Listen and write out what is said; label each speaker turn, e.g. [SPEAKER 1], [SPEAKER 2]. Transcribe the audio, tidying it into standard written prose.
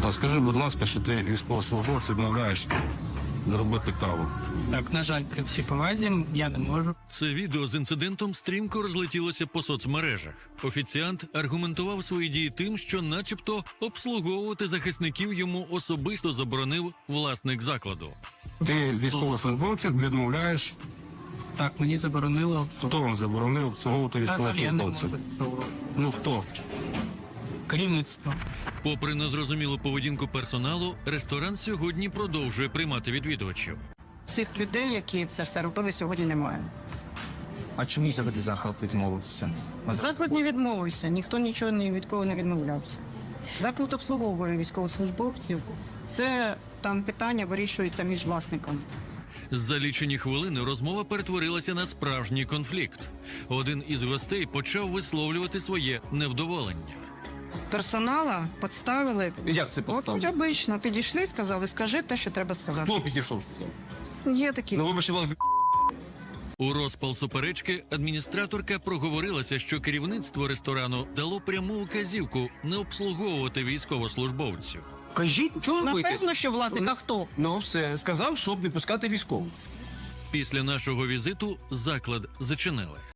[SPEAKER 1] А скажи, будь ласка, що ти військовослужбовець відмовляєш зробити каву?
[SPEAKER 2] Так, на жаль, при всій повазі я не можу.
[SPEAKER 3] Це відео з інцидентом стрімко розлетілося по соцмережах. Офіціант аргументував свої дії тим, що начебто обслуговувати захисників йому особисто заборонив власник закладу.
[SPEAKER 1] Ти військовослужбовців відмовляєш,
[SPEAKER 2] Так, мені заборонило.
[SPEAKER 1] хто вам заборонив обслуговувати
[SPEAKER 2] На жаль, я не можу
[SPEAKER 1] військовослужбовців?
[SPEAKER 2] цього.
[SPEAKER 1] Ну хто?
[SPEAKER 2] Керівництво.
[SPEAKER 3] Попри незрозумілу поведінку персоналу, ресторан сьогодні продовжує приймати відвідувачів.
[SPEAKER 4] Цих людей, які це все робили, сьогодні немає.
[SPEAKER 5] А чому взагалі заклад відмовився?
[SPEAKER 4] Заклад не відмовився, ніхто нічого ні від кого не відмовлявся. Заклад обслуговує військовослужбовців. Це там питання вирішується між власниками.
[SPEAKER 3] За лічені хвилини розмова перетворилася на справжній конфлікт. Один із гостей почав висловлювати своє невдоволення.
[SPEAKER 4] Персонала підставили.
[SPEAKER 5] Як це
[SPEAKER 4] От обично підійшли, сказали, скажи те, що треба сказати.
[SPEAKER 5] Хто підійшов?
[SPEAKER 4] Є такі.
[SPEAKER 5] Ну, вибачте,
[SPEAKER 3] У розпал суперечки адміністраторка проговорилася, що керівництво ресторану дало пряму вказівку не обслуговувати військовослужбовців.
[SPEAKER 5] кажіть, чого ви боїтесь?
[SPEAKER 4] Напевно, що власник, а хто?
[SPEAKER 5] Ну, все, сказав, щоб не пускати військових.
[SPEAKER 3] Після нашого візиту заклад зачинили.